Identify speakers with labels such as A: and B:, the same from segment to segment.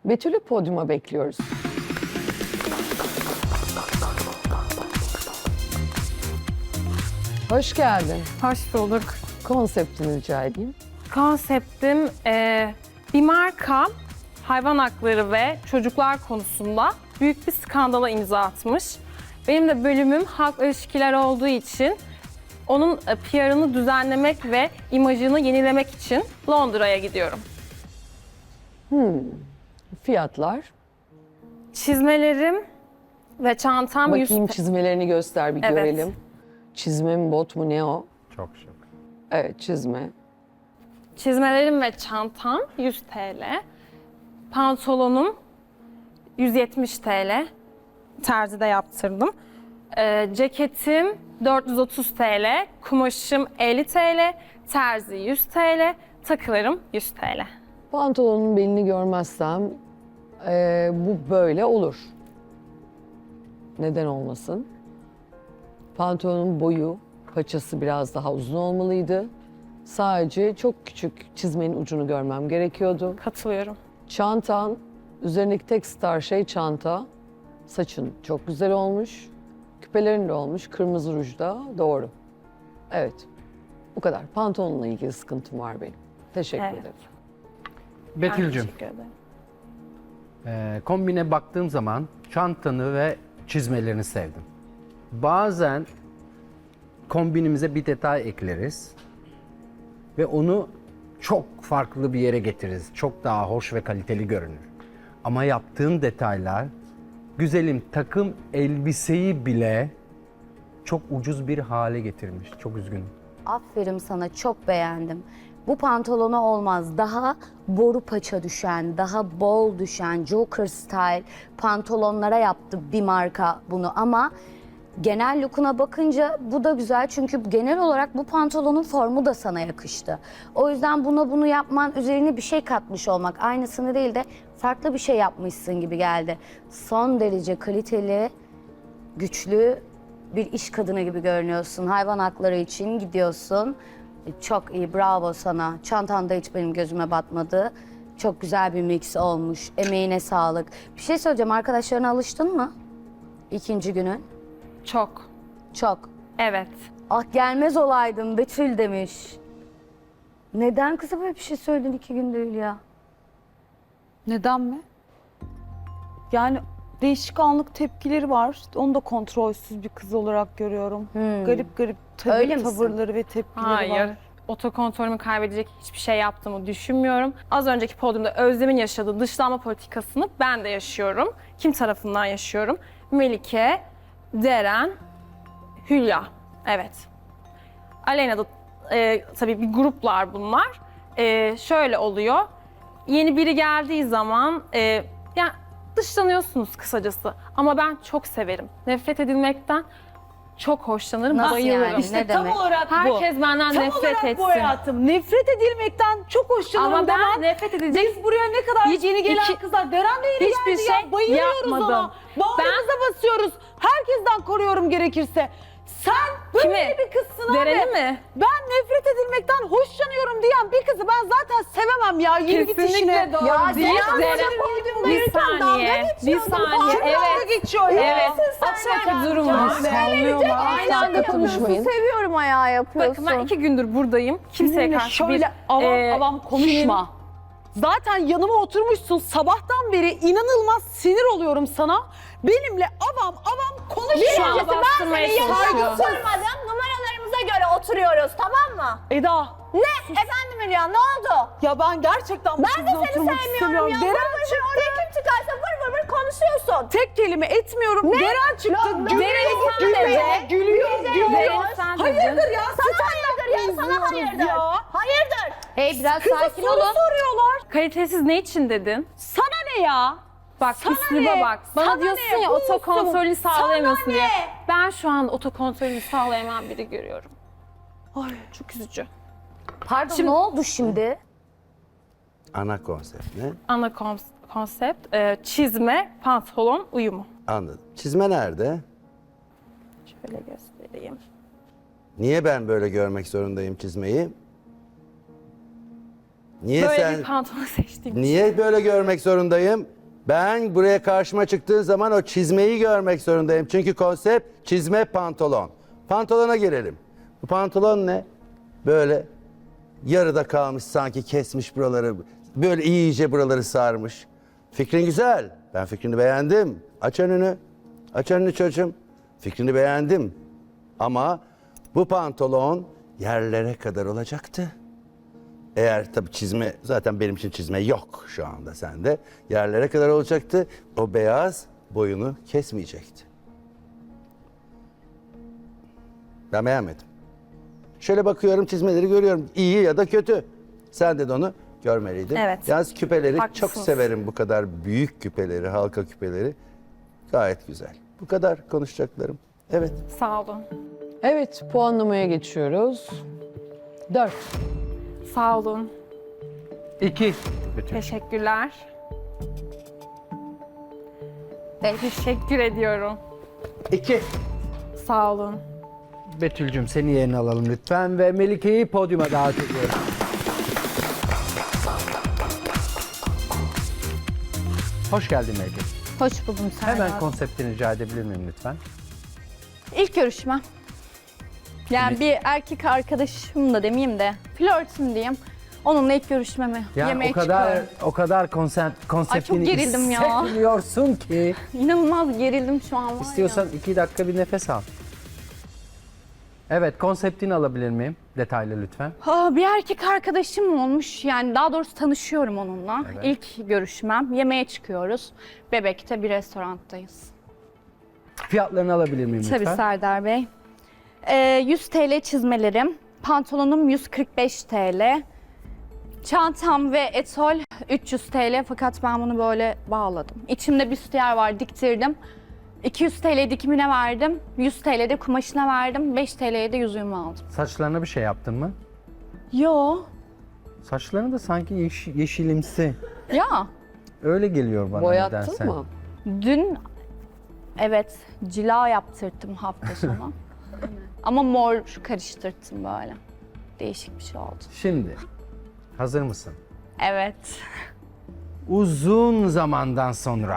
A: Betül'ü podyuma bekliyoruz. Hoş geldin.
B: Hoş bulduk.
A: Konseptini rica edeyim.
B: Konseptim bir marka hayvan hakları ve çocuklar konusunda büyük bir skandala imza atmış. Benim de bölümüm halk ilişkiler olduğu için onun PR'ını düzenlemek ve imajını yenilemek için Londra'ya gidiyorum.
A: Fiyatlar.
B: Çizmelerim ve çantam
A: Bakayım çizmelerini göster bir
B: Evet.
A: görelim. Çizme mi bot mu ne o?
C: Çok şık.
A: Evet çizme.
B: Çizmelerim ve çantam 100 TL. Pantolonum 170 TL. Terzide yaptırdım. Ceketim 430 TL. Kumaşım 50 TL. Terzi 100 TL. Takılarım 100 TL.
A: Pantolonun belini görmezsem bu böyle olur. Neden olmasın? Pantolonun boyu, paçası biraz daha uzun olmalıydı. Sadece çok küçük çizmenin ucunu görmem gerekiyordu.
B: Katılıyorum.
A: Çantan, üzerindeki tek star şey çanta. Saçın çok güzel olmuş. Küpelerin de olmuş. Kırmızı ruj da doğru. Evet. Bu kadar. Pantolonla ilgili sıkıntım var benim. Teşekkür
B: Evet.
A: ederim.
B: Ben
C: Betül'cüm,
B: teşekkür ederim.
C: kombine baktığım zaman çantanı ve çizmelerini sevdim. Bazen kombinimize bir detay ekleriz ve onu çok farklı bir yere getiririz. Çok daha hoş ve kaliteli görünür. Ama yaptığın detaylar, güzelim takım elbiseyi bile çok ucuz bir hale getirmiş. Çok üzgünüm.
D: Aferin sana, çok beğendim. Bu pantolona olmaz. Daha boru paça düşen, daha bol düşen, Joker style pantolonlara yaptı bir marka bunu ama genel look'una bakınca bu da güzel çünkü genel olarak bu pantolonun formu da sana yakıştı. O yüzden bunu yapman, üzerine bir şey katmış olmak, aynısını değil de farklı bir şey yapmışsın gibi geldi. Son derece kaliteli, güçlü bir iş kadını gibi görünüyorsun. Hayvan hakları için gidiyorsun. Çok iyi, bravo sana. Çantan da hiç benim gözüme batmadı. Çok güzel bir mix olmuş. Emeğine sağlık. Bir şey söyleyeceğim, arkadaşlarına alıştın mı? İkinci günün.
B: Çok.
D: Çok.
B: Evet.
D: Ah gelmez olaydım Betül demiş. Neden kıza böyle bir şey söyledin 2 gün değil ya?
E: Neden mi? Yani değişik anlık tepkileri var. Onu da kontrolsüz bir kız olarak görüyorum. Garip garip
D: Öyle misin?
E: tavırları ve tepkileri
B: Hayır.
E: var.
B: Otokontrolümü kaybedecek hiçbir şey yaptığımı düşünmüyorum. Az önceki podyumda Özlem'in yaşadığı dışlanma politikasını ben de yaşıyorum. Kim tarafından yaşıyorum? Melike, Deren, Hülya. Evet. Aleyna'da tabii bir gruplar bunlar. Şöyle oluyor. Yeni biri geldiği zaman yani dışlanıyorsunuz kısacası. Ama ben çok severim. Nefret edilmekten çok hoşlanırım,
D: Nasıl
B: bayılırım.
D: yani?
E: İşte
D: Ne
E: tam
D: demek?
E: olarak bu.
B: Herkes benden
E: Tam
B: nefret
E: olarak
B: etsin.
E: bu hayatım. Nefret edilmekten çok hoşlanırım
B: Ama ben
E: demen.
B: nefret edecek
E: Biz buraya ne kadar
B: Hiç-
E: yeni gelen
B: iki-
E: kızlar. Deren de yeni
B: hiçbir
E: geldi
B: şey
E: ya. Bayılıyoruz
B: yapmadım.
E: ona. Bağrımıza basıyoruz. Herkesten koruyorum gerekirse. Sen böyle
B: Kimi?
E: bir kızsın
B: Deren'i
E: abi.
B: mi?
E: Ben nefret edilmekten hoşlanıyorum diyen bir kızı ben zaten sevemem ya. Yürü git işine.
B: Kesinlikle doğru
D: Ya
B: değil.
D: Deren
B: Deren- Bir saniye, bir saniye.
E: Kim dalga
B: Evet,
E: geçiyor ya?
B: evet. Aşağıdaki durum var.
A: Aynı anda konuşmayın.
F: Seviyorum ayağı yapıyorsun.
B: Bakın ben 2 gündür buradayım. Kimseye
E: Benimle
B: karşı
E: şöyle
B: bir...
E: avam konuşma. Zaten yanıma oturmuşsun sabahtan beri inanılmaz sinir oluyorum sana. Benimle avam konuşma.
B: Şu an bastırmaya çalışıyor.
F: Oturmadım. Numaralarımıza göre oturuyoruz, tamam mı?
E: Eda,
F: Ne? Efendim Hülya, ne oldu?
E: ya ben gerçekten bu
F: Ben de
E: sizinle
F: seni
E: oturmak
F: sevmiyorum
E: istemiyorum.
F: ya.
E: Deren
F: Vır vır
E: çıktı.
F: oraya kim çıkarsa vır vır vır konuşuyorsun.
E: Tek kelime etmiyorum. Deren çıktı.
B: Deren sen de.
E: Gülüyor.
B: Deren sen de.
E: Hayırdır ya?
F: Sana hayırdır ya, sana hayırdır.
E: Ya.
F: Hayırdır.
D: Hey biraz
E: Kıza
D: sakin
E: soru
D: olun.
E: soruyorlar.
B: Kalitesiz ne için dedin?
E: Sana ne ya?
B: Bak
E: Sana
B: üsluba
E: ne?
B: bak. Bana
E: Sana
B: diyorsun
E: ne?
B: ya
E: Bu
B: otokontrolü
E: musun?
B: sağlayamıyorsun
E: Sana
B: diye.
E: ne?
B: Ben şu an otokontrolü sağlayamayan biri görüyorum.
E: Ay.
B: Çok üzücü.
D: Pardon ne oldu şimdi?
G: Ana konsept ne?
B: Ana konsept çizme, pantolon uyumu.
G: Anladım. Çizme nerede?
B: Şöyle göstereyim.
G: Niye ben böyle görmek zorundayım çizmeyi? Niye
B: Böyle
G: sen...
B: bir pantolon seçtiğim için.
G: Niye böyle görmek zorundayım? Ben buraya karşıma çıktığın zaman o çizmeyi görmek zorundayım. Çünkü konsept çizme pantolon. Pantolona gelelim. Bu pantolon ne? Böyle yarıda kalmış, sanki kesmiş buraları. Böyle iyice buraları sarmış. Fikrin güzel. Ben fikrini beğendim. Aç önünü. Aç önünü çocuğum. Fikrini beğendim. Ama bu pantolon yerlere kadar olacaktı. Eğer tabii çizme, zaten benim için çizme yok şu anda sende. Yerlere kadar olacaktı. O beyaz boyunu kesmeyecekti. Ben beğenmedim. Şöyle bakıyorum, çizmeleri görüyorum. İyi ya da kötü. Sen de onu görmeliydin.
B: Evet.
G: Yalnız küpeleri çok
B: Haklısınız.
G: severim, bu kadar büyük küpeleri, halka küpeleri. Gayet güzel. Bu kadar konuşacaklarım. Evet.
B: Sağ olun.
A: Evet, puanlamaya geçiyoruz. 4.
B: Sağ olun.
C: 2. Betül.
B: Teşekkürler. Teşekkür ediyorum.
G: 2.
B: Sağ olun.
C: Betül'cüm seni yerine alalım lütfen ve Melike'yi podyuma davet ediyorum. Hoş geldin Melike.
F: Hoş buldum Serdar.
C: Hemen konseptini rica edebilir miyim lütfen?
F: İlk görüşme. Yani bir erkek arkadaşım da demeyeyim de flörtüm diyeyim. Onunla ilk görüşmemi
C: Yani
F: yemeğe
C: o kadar konseptini
F: gerildim ya.
C: hissetmiyorsun ki.
F: İnanılmaz gerildim şu an var
C: İstiyorsan
F: ya.
C: 2 dakika bir nefes al. Evet, konseptini alabilir miyim? Detaylı lütfen.
F: Bir erkek arkadaşım olmuş. Yani daha doğrusu tanışıyorum onunla. İlk görüşmem. Yemeğe çıkıyoruz. Bebek'te bir restoranttayız.
C: Fiyatlarını alabilir miyim lütfen?
F: Tabii Serdar Bey. 100 TL çizmelerim. Pantolonum 145 TL. Çantam ve etol 300 TL fakat ben bunu böyle bağladım. İçimde büstiyer var, diktirdim. 200 TL dikimine verdim, 100 TL de kumaşına verdim, 5 TL'ye de yüzüğümü aldım.
C: Saçlarına bir şey yaptın mı?
F: Yo,
C: Saçlarını da sanki yeşilimsi.
F: ya
C: Öyle geliyor bana
A: Boyattın
C: nedense.
A: mı?
F: dün evet cila yaptırttım hafta sonu. Ama mor karıştırttım böyle. Değişik bir şey oldu.
C: Şimdi, hazır mısın?
F: Evet.
C: Uzun zamandan sonra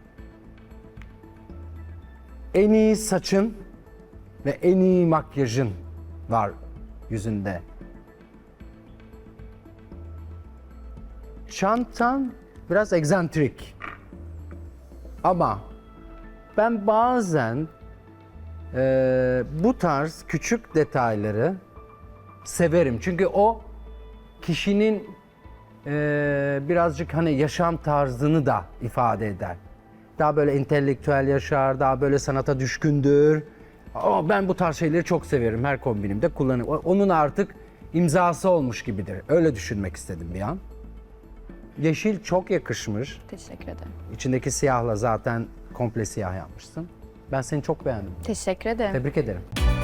C: en iyi saçın ve en iyi makyajın var yüzünde. Çantan biraz egzantrik. Ama ben bazen bu tarz küçük detayları severim. Çünkü o kişinin birazcık hani yaşam tarzını da ifade eder. Daha böyle entelektüel yaşar, daha böyle sanata düşkündür. Ama ben bu tarz şeyleri çok severim. Her kombinimde kullanırım. Onun artık imzası olmuş gibidir. Öyle düşünmek istedim bir an. Yeşil çok yakışmış.
F: Teşekkür ederim.
C: İçindeki siyahla zaten komple siyah yapmışsın. Ben seni çok beğendim.
F: Teşekkür ederim.
C: Tebrik ederim.